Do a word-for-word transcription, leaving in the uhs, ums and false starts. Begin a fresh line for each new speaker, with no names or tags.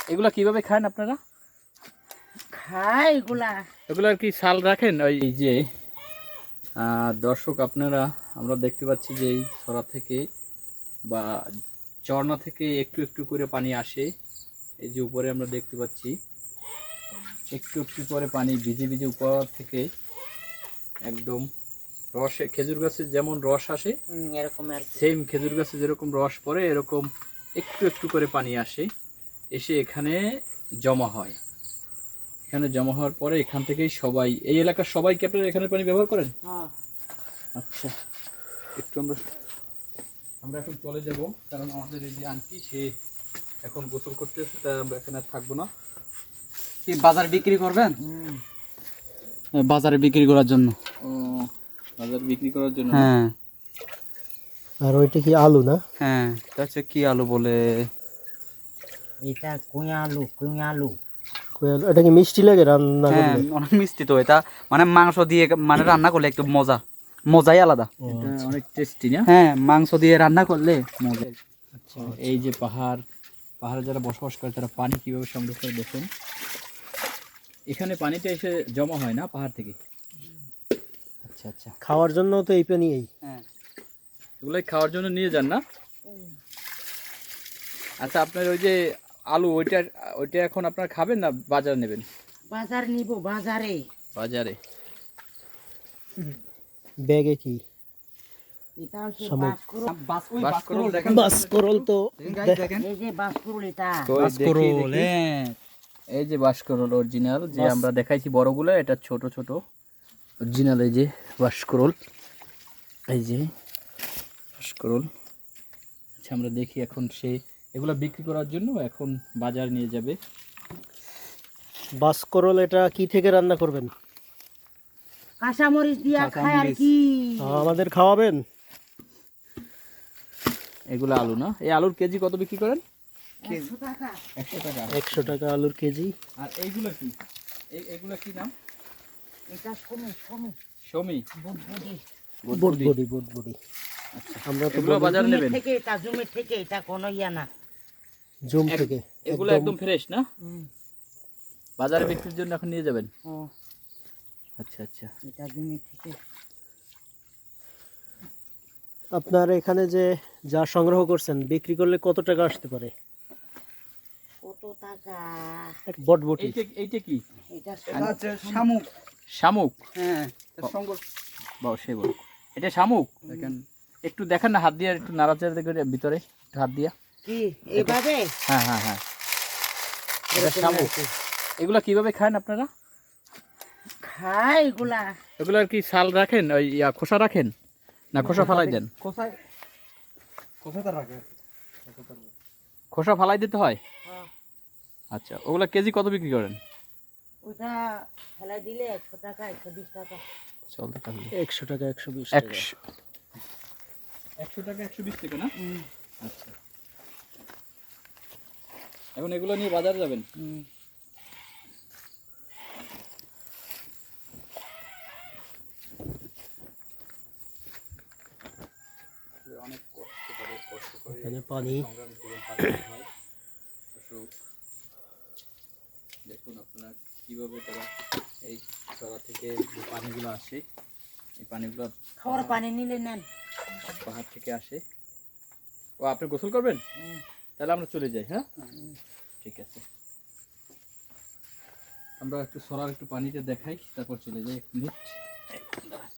এগুলা কিভাবে খান আপনারা?
খাই এগুলা
এগুলার কি ছাল রাখেন? ওই যে দর্শক আপনারা আমরা দেখতে পাচ্ছি যে এই ছড়া থেকে বা ঝর্ণা থেকে একটু একটু করে পানি আসে। এই যে উপরে আমরা দেখতে পাচ্ছি একটু একটু করে পানি ভিজে ভিজে উপর থেকে একদম রসে, খেজুর গাছে যেমন রস আসে
এরকম আর
সেম খেজুর গাছে যেরকম রস পড়ে এরকম একটু একটু করে পানি আসে, এসে এখানে জমা হয়। এখানে জমা হওয়ার পরে এখান থেকেই সবাই, এই এলাকার সবাই কি আপনারা এখানে পানি ব্যবহার করেন?
হ্যাঁ।
আচ্ছা, একটু আমরা আমরা এখন চলে যাব, কারণ আমাদের এই যে আন্টি সে এখন গোসল করতেছে, তাই আমরা এখানে আর থাকবো না।
কি বাজার বিক্রি করবেন? বাজারে বিক্রি করার জন্য।
ও, বাজার বিক্রি করার জন্য?
হ্যাঁ।
আর ওইটা কি আলু না?
হ্যাঁ, এটা হচ্ছে কি আলু বলে?
এটা কুঁয়া আলু, কুঁয়া আলু।
কই আলু? এটা কি মিষ্টি লাগে রান্না
হ্যাঁ,
করলে?
অনেক মিষ্টি তো এটা, মানে মাংস দিয়ে মানে রান্না করলে একটু মজা, মজাই আলাদা।
এটা অনেক টেস্টি না?
হ্যাঁ, মাংস দিয়ে রান্না করলে মজা।
আচ্ছা, এই যে পাহাড়, পাহাড়ে যারা বসবাস করে তারা পানি কিভাবে সংগ্রহ করে দেখুন। এখানে পানিটা এসে জমা হয় না পাহাড় থেকে? আচ্ছা আচ্ছা,
খাওয়ার জন্য তো এই পানি এই।
হ্যাঁ,
এগুলাই খাওয়ার জন্য নিয়ে যান না? আচ্ছা, আপনার ওই যে আলু, ওইটা ওইটা এখন আপনারা খাবেন না বাজার নেবেন?
বাজার নিব, বাজারে।
বাজারে।
ব্যাগে কি?
এটা হচ্ছে
শামুক।
বাঁশকুড়ুল।
বাসকরল দেখেন?
বাসকরল তো
দেখেন
এই যে বাঁশকুড়ুল এটা।
তো এই দেখি,
বাসকরল,
দেখি।
হ্যাঁ।
এই যে বাসকরল অরিজিনাল, যে আমরা দেখাইছি বড়গুলো, এটা ছোট ছোট অরিজিনাল। এই যে বাসকরল, এই যে বাসকরল। আচ্ছা, আমরা দেখি এখন সে এগুলো বিক্রি করার জন্য এখন বাজার নিয়ে যাবে।
বাসকরল এটা কি থেকে রান্না করবেন?
কাঁচামরিচ দিয়া খায় আর কি।
আমাদের খাওয়াবেন?
এগুলো আলু না? এই আলুর কেজি কত বিক্রি করেন?
একশো টাকা।
একশো টাকা।
একশো টাকা আলুর কেজি।
আর এইগুলো কি? এই এগুলো কি নাম?
এটা কমে কমে
শমি,
বুটবুটি।
বুটবুটি, বুটবুটি। আমরা তো
এগুলো বাজার
জুমের
নেবেন?
থেকে এটা জুমের থেকে এটা কোনো ইয়া না।
জুম
এক-
থেকে।
এগুলো একদম ফ্রেশ না? বাজারে বিক্রির জন্য এখন নিয়ে যাবেন?
ও,
আচ্ছা আচ্ছা।
এটা জুমের থেকে।
আপনার এখানে যে যা সংগ্রহ করছেন বিক্রি করলে কত টাকা আসতে পারে?
কত টাকা?
এক বটবটি।
এইটা এইটা কি?
এটা
এটা হচ্ছে শামুক।
শামুক?
হ্যাঁ, এটা সঙ্গ-
বাহ, সে বল, এটা শামুক।
দেখেন,
একটু দেখেন না, হাত দিয়ে একটু নাড়াচাড়া করে ভিতরে একটু হাত দিয়া।
কি এইভাবে?
হ্যাঁ হ্যাঁ হ্যাঁ, এটা
এরকম
শামুক।
আছে।
এগুলা কিভাবে খান আপনারা?
খাই এগুলা।
এগুলার কি ছাল রাখেন, ওই ইয়া খোসা রাখেন না খোসা ফালাই দেন?
কোথায় কোথায় তার রাখে?
খোসা ফালাই দিতে হয়?
হ্যাঁ।
আচ্ছা, ওগুলা কেজি কত বিক্রি করেন?
ওটা ফেলাই দিলে একশো টাকা, একশো বিশ টাকা।
চল দেখা
একশো টাকা, একশো বিশ টাকা।
একশো একশো টাকা, একশো বিশ টাকা না? আচ্ছা, এখন এগুলো নিয়ে বাজার যাবেন? অনেক কষ্ট করে কষ্ট করে
এখানে পানি।
সংগ্রামী জীবন কাটাতে হয়। অশোক, দেখুন আপনারা কিভাবে তারা এই চড়া থেকে যে পানিগুলো আসে, এই পানিগুলো
খাওয়ার পানি নিলে নেন।
পাহাড় থেকে আসে। ও, আপনি গোসল করবেন? তাহলে আমরা চলে যাই। হ্যাঁ, ঠিক আছে। আমরা একটু সরার একটু পানিতে দেখাই, তারপর চলে যাই এক মিনিট।